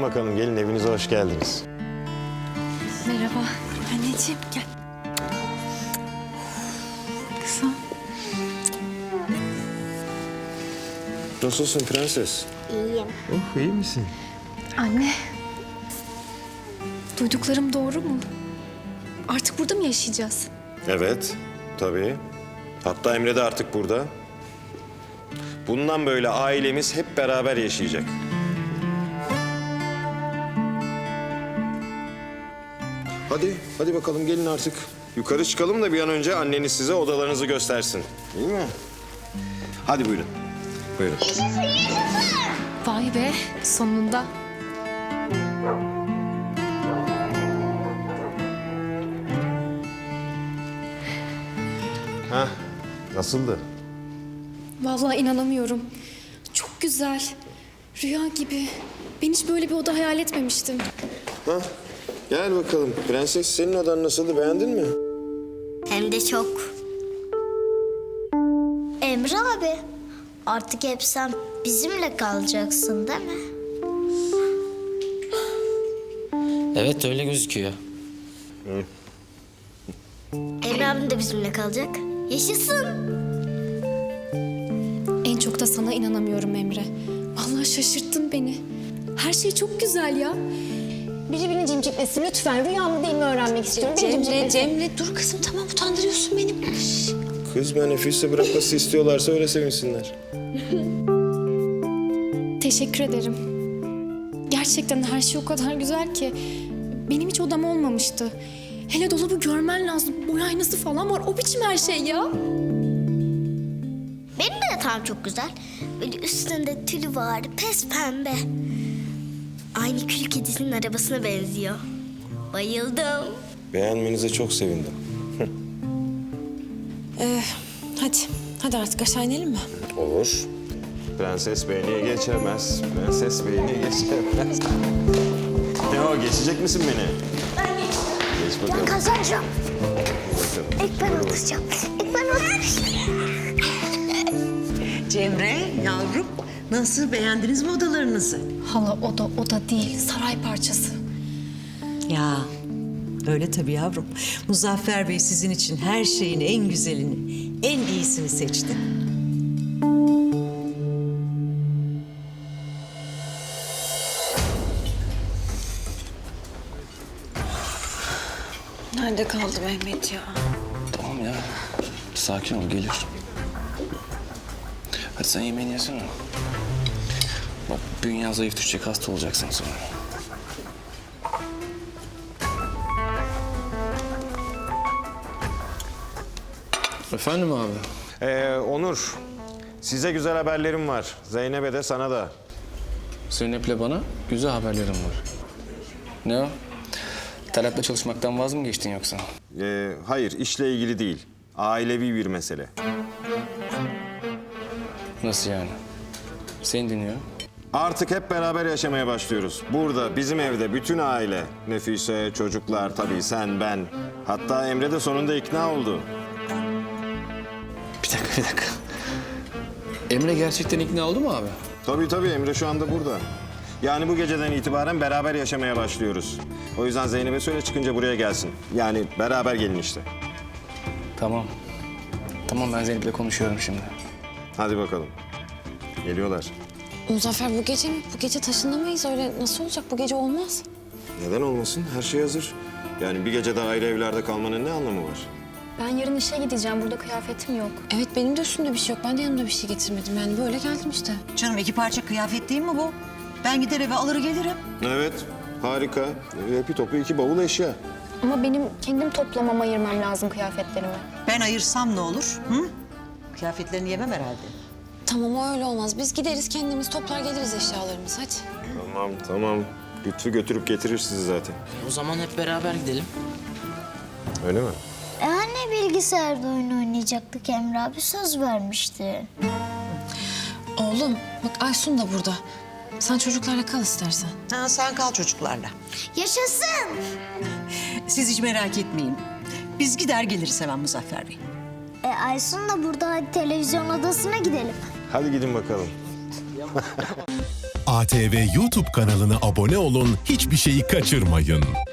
bakalım, gelin evinize hoş geldiniz. Merhaba. Anneciğim gel. Kızım. Nasılsın prenses? İyiyim. Oh, iyi misin? Anne. Duyduklarım doğru mu? Artık burada mı yaşayacağız? Evet, tabii. Hatta Emre de artık burada. Bundan böyle ailemiz hep beraber yaşayacak. Hadi bakalım gelin artık. Yukarı çıkalım da bir an önce anneniz size odalarınızı göstersin. Değil mi? Hadi buyurun. Buyurun. Vay be, sonunda. Hah, nasıldı? Vallahi inanamıyorum. Çok güzel. Rüya gibi. Ben hiç böyle bir oda hayal etmemiştim. Hah, gel bakalım. Prenses, senin odan nasıldı, beğendin mi? Hem de çok. Emre abi, artık hep sen bizimle kalacaksın değil mi? Evet öyle gözüküyor. Emre abim de bizimle kalacak. Yaşasın. En çok da sana inanamıyorum Emre. Vallahi şaşırttın beni. Her şey çok güzel ya. Biri beni cimciklesin lütfen. Rüya mı değil mi öğrenmek istiyorum. Beni cimciklesin. Cemre dur kızım tamam utandırıyorsun beni. Kız ben Nefise bırakması istiyorlarsa öyle sevinsinler. Teşekkür ederim. Gerçekten her şey o kadar güzel ki. Benim hiç odam olmamıştı. Hele dolabı görmen lazım. Boy aynası falan var. O biçim her şey ya. Benim de yatağım çok güzel. Böyle üstünde tülü var, pes pembe. Aynı kül kedisinin arabasına benziyor. Bayıldım. Beğenmenize çok sevindim. Hadi artık aşağı inelim mi? Olur. Prenses beni geçemez. Prenses beni geçemez. Ne o, geçecek misin beni? Geç Ben bakalım. kazanacağım. Bakalım. İlk ben atacağım. İlk ben atacağım. Cemre, yavrum, nasıl, beğendiniz mi odalarınızı? Hala oda değil. Saray parçası. Ya, öyle tabii yavrum. Muzaffer Bey sizin için her şeyin en güzelini, en iyisini seçti. Nerede kaldı Mehmet ya? Tamam ya. Sakin ol gelir. Hadi sen yemeğini yesene. Bak bünyen zayıf düşecek, hasta olacaksın sonra. Efendim abi? Onur, size güzel haberlerim var. Zeynep'e de sana da. Zeynep'le bana güzel haberlerim var. Ne o? Talat'la çalışmaktan vaz mı geçtin yoksa? Hayır, işle ilgili değil. Ailevi bir mesele. Nasıl yani? Seni dinliyorum. Artık hep beraber yaşamaya başlıyoruz. Burada, bizim evde bütün aile. Nefise, çocuklar, tabii sen, ben. Hatta Emre de sonunda ikna oldu. Bir dakika. Emre gerçekten ikna oldu mu abi? Tabii Emre şu anda burada. Yani bu geceden itibaren beraber yaşamaya başlıyoruz. O yüzden Zeynep'e söyle çıkınca buraya gelsin. Yani beraber gelin işte. Tamam. Tamam ben Zeynep'le konuşuyorum şimdi. Hadi bakalım. Geliyorlar. Muzaffer bu gece mi? Bu gece taşınamayız öyle. Nasıl olacak? Bu gece olmaz. Neden olmasın? Her şey hazır. Yani bir gece daha ayrı evlerde kalmanın ne anlamı var? Ben yarın işe gideceğim. Burada kıyafetim yok. Evet benim de üstümde bir şey yok. Ben de yanımda bir şey getirmedim. Yani böyle geldim işte. Canım, 2 parça kıyafet değil mi bu? Ben gider eve alır gelirim. Evet, harika. Bir topu 2 bavul eşya. Ama benim kendim toplamam, ayırmam lazım kıyafetlerimi. Ben ayırsam ne olur? Hı? Kıyafetlerini yemem herhalde. Tamam o öyle olmaz. Biz gideriz kendimiz toplar geliriz eşyalarımızı hadi. Tamam. Lütfü götürüp getirir sizi zaten. O zaman hep beraber gidelim. Öyle mi? Anne bilgisayarda oyun oynayacaktık, Emre abi söz vermişti. Oğlum bak Aysun da burada. Sen çocuklarla kal istersen. Ha, sen kal çocuklarla. Yaşasın. Siz hiç merak etmeyin. Biz gider geliriz hemen Muzaffer Bey. Aysun da burada, hadi televizyon odasına gidelim. Hadi gidin bakalım. ATV YouTube kanalına abone olun, hiçbir şeyi kaçırmayın.